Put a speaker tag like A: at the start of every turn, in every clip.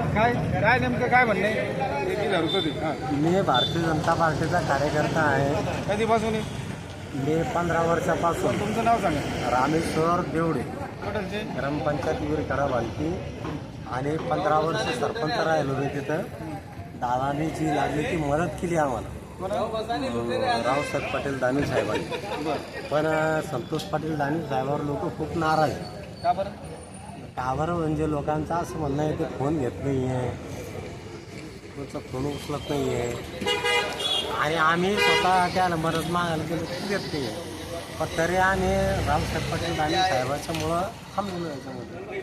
A: काय काय नेमकं काय म्हणणे किती धरतो ते
B: मी भारतीय जनता पार्टीचा कार्यकर्ता आहे.
A: कधीपासून
B: मी 15 वर्षापासून.
A: तुमचं नाव सांगा.
B: रामेश्वर देवडे,
A: कुठलचे?
B: ग्रामपंचायत विरकडा बालकी, आणि 15 वर्ष सरपंच राहिलो मी तिथं. दादानी जी लागली ती मदत केली आम्हाला, रावसाहेब पाटील दानवे साहेबांनी. पण संतोष पाटील दानवे साहेबांवर लोक खूप नाराज आहे.
A: का बरं?
B: का बरं म्हणजे लोकांचं असं म्हणणं आहे ते फोन घेत नाही आहे, तुमचा फोन उचलत नाही आहे, आणि आम्ही स्वतः त्याला मदत मागायला गेलो की देत नाही आहे. पण तरी आम्ही रावसाहेब पाटील दानवे साहेबाच्यामुळं थांबलो याच्यामध्ये.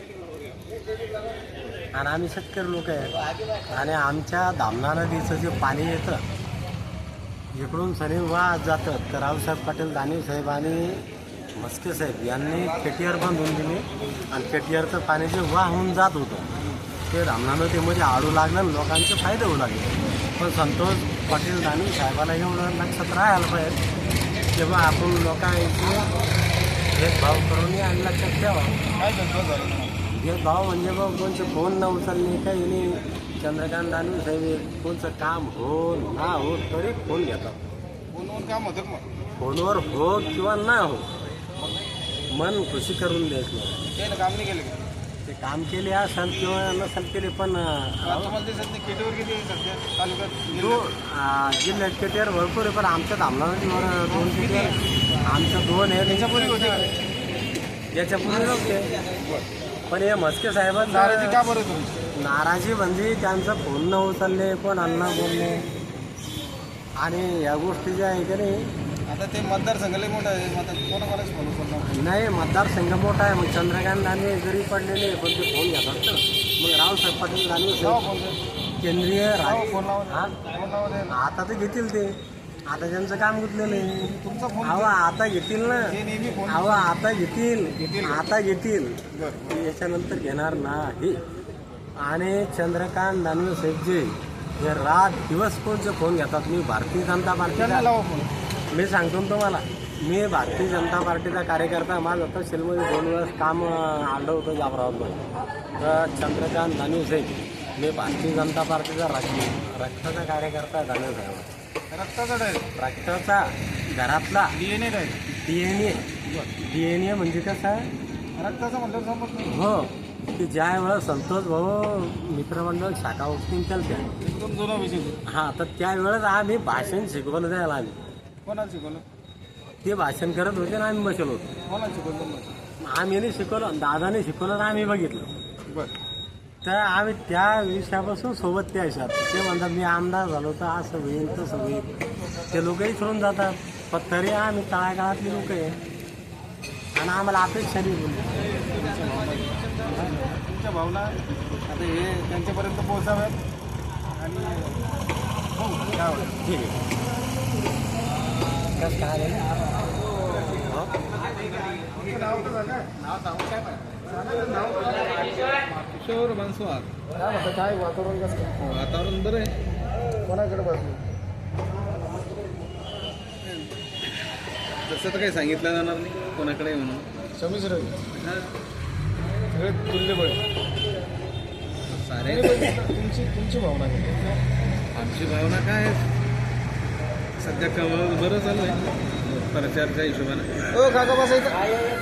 B: आणि आम्ही शेतकरी लोक आहेत, आणि आमच्या धामणा नदीचं जे पाणी येतं इकडून सनी वाहत जातं, तर रावसाहेब पाटील दानवे साहेब आणि मस्के साहेब यांनी केटीआर बांधून दिली, आणि केटीआरचं पाणी जे वाहून जात होतं ते धामणा नदीमध्ये आडू लागलं आणि लोकांचे फायदे होऊ लागले. पण संतोष पाटील दानवे साहेबाला एवढं लक्षात राहायला पाहिजे तेव्हा आपण लोकांचे भेदभाव करून आणि लक्षात ठेवा.
A: काय धंदा झाला?
B: भेदभाव म्हणजे बघ कोणचे फोन न उचलणे काही नाही. चंद्रकांत दानवे साहेब कोणचं काम हो ना हो तरी फोन घेतात.
A: फोनवर काम होतं का मग?
B: फोनवर हो किंवा ना हो मन खुशी करून द्यायचं नाही.
A: त्यानं काम नाही केलं का?
B: ते काम केले असेल किंवा नसेल केले, पण
A: तुम्हाला ते सध्या केटीवर किती आहे सध्या तालुक्यात?
B: जिल्ह्यात केटीआर भरपूर आहे, पण आमच्या धामणा नदीवर 2 केटीआर आमचं 2 आहे.
A: त्याच्यापूर्वी होते का?
B: याच्यापूर्वी नव्हते. पण हे मस्के साहेबांचं
A: नाराजी का बरं तुम्ही?
B: नाराजी म्हणजे त्यांचं फोन न उचलले, पण अण्णा बोलले, आणि या गोष्टी ज्या आहे की नाही.
A: आता ते मतदारसंघ लय मोठा आहे, आता कोणाकोणाच फोन उचलणार?
B: नाही, मतदारसंघ मोठा आहे, मग चंद्रकांत दानवे जरी पडलेले पण ते फोन घेतात ना. मग रावसाहेब पाटील दानवे
A: लावा
B: साहेब
A: फोन.
B: केंद्रीय
A: फोन लावा.
B: हा
A: फोन लावा द्या.
B: आता तर घेतील ते. आता त्यांचं काम गुतलेलं आहे.
A: तुमचा फोन
B: अहो आता घेतील ना.
A: ते नेहमी फोन.
B: अहो आता घेतील. आता घेतील.
A: बरं.
B: याच्यानंतर घेणार नाही. आणि चंद्रकांत दानवे साहेब जे हे रात दिवस कोणचे फोन घेतात. मी भारतीय जनता
A: त्यांना
B: पार्टीचा
A: लावा फोन.
B: मी सांगतो ना तुम्हाला, मी भारतीय जनता पार्टीचा कार्यकर्ता. माझं तहसीलमध्ये 2 वेळेस काम आलं होतं जाफराबादमध्ये. तर चंद्रकांत दानवे साहेब मी भारतीय जनता पार्टीचा रक्ताचा कार्यकर्ता दानवे साहेब.
A: रक्ताचा डायरेक्ट
B: रक्ताचा घरातला
A: DNA डायरेक्ट.
B: DNA म्हणजे कसं आहे?
A: रक्ताचा म्हटलं समज नाही.
B: हो, की ज्या वेळेस संतोष भाऊ मित्रमंडळ शाखा उठतील त्या
A: एकदम जुना विषय तो.
B: हां, तर त्यावेळेस आम्ही भाषण शिकवलं द्यायला आम्ही.
A: कोणाला शिकवलं?
B: ते भाषण करत होते आणि आम्ही बसलो होतो.
A: कोणाला शिकवलं?
B: आम्ही नाही शिकवलं, दादाने शिकवलं आणि आम्ही बघितलं.
A: बरं.
B: तर आम्ही त्या विषयापासून सोबत त्या विषयात ते म्हणतात मी आमदार झालो तर असं होईल तसं होईल. ते लोकही सोडून जातात, पण तरी आम्ही तळागाळातली लोक आहे आणि आम्हाला अपेक्षा नाही बोलली.
A: तुमच्या भावना आता हे त्यांच्यापर्यंत पोहोचाव्यात आणि हो काय होतं?
B: ठीक आहे. कसं काय आहे? हो?
A: तुमचं नाव तर सांगा. नाव सांगू काय? किशोर मनसुवार. काय म्हणतं? काय वातावरण कसं काय? वातावरण बरं आहे. कोणाकडे बसू?
C: तसं तर काही सांगितलं जाणार नाही कोणाकडे म्हणून.
A: संमिश्र सगळे तुल्यबळ.
C: सारे
A: तुमची भावना काय?
C: आमची भावना काय आहे? सध्या कमळ बरं चालू आहे प्रचारच्या हिशोबानं.
A: हो काका बसायचं.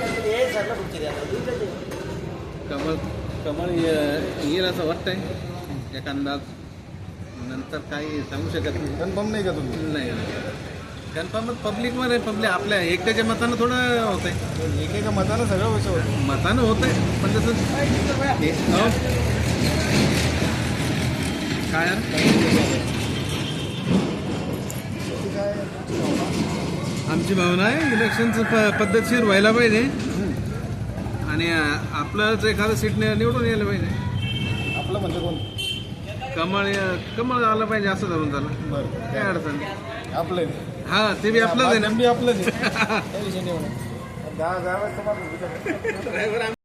C: कमळ येईल असं वाटतंय एक अंदाज. नंतर काही सांगू शकत नाही.
A: कन्फर्म नाही का तुम्ही?
C: नाही कन्फर्म पब्लिकमध्ये आपल्या एकट्याच्या मतानं थोडं होत आहे.
A: एकेका मतानं सगळं विषय होतं.
C: मतानं होत आहे पण तसं काय आमची भावना आहे इलेक्शनचं पद्धतशीर व्हायला पाहिजे आणि आपलंच एखादं सीट निवडून यायला पाहिजे.
A: आपलं म्हणजे कोण?
C: कमळ आलं पाहिजे असं धरून झालं.
A: बरं.
C: काय अडचण नाही.
A: आपलं
C: हा ते बी आपलंच आहे ना.
A: आपलंच आहे. काही विषय नाही होणार. 10 तुम्हाला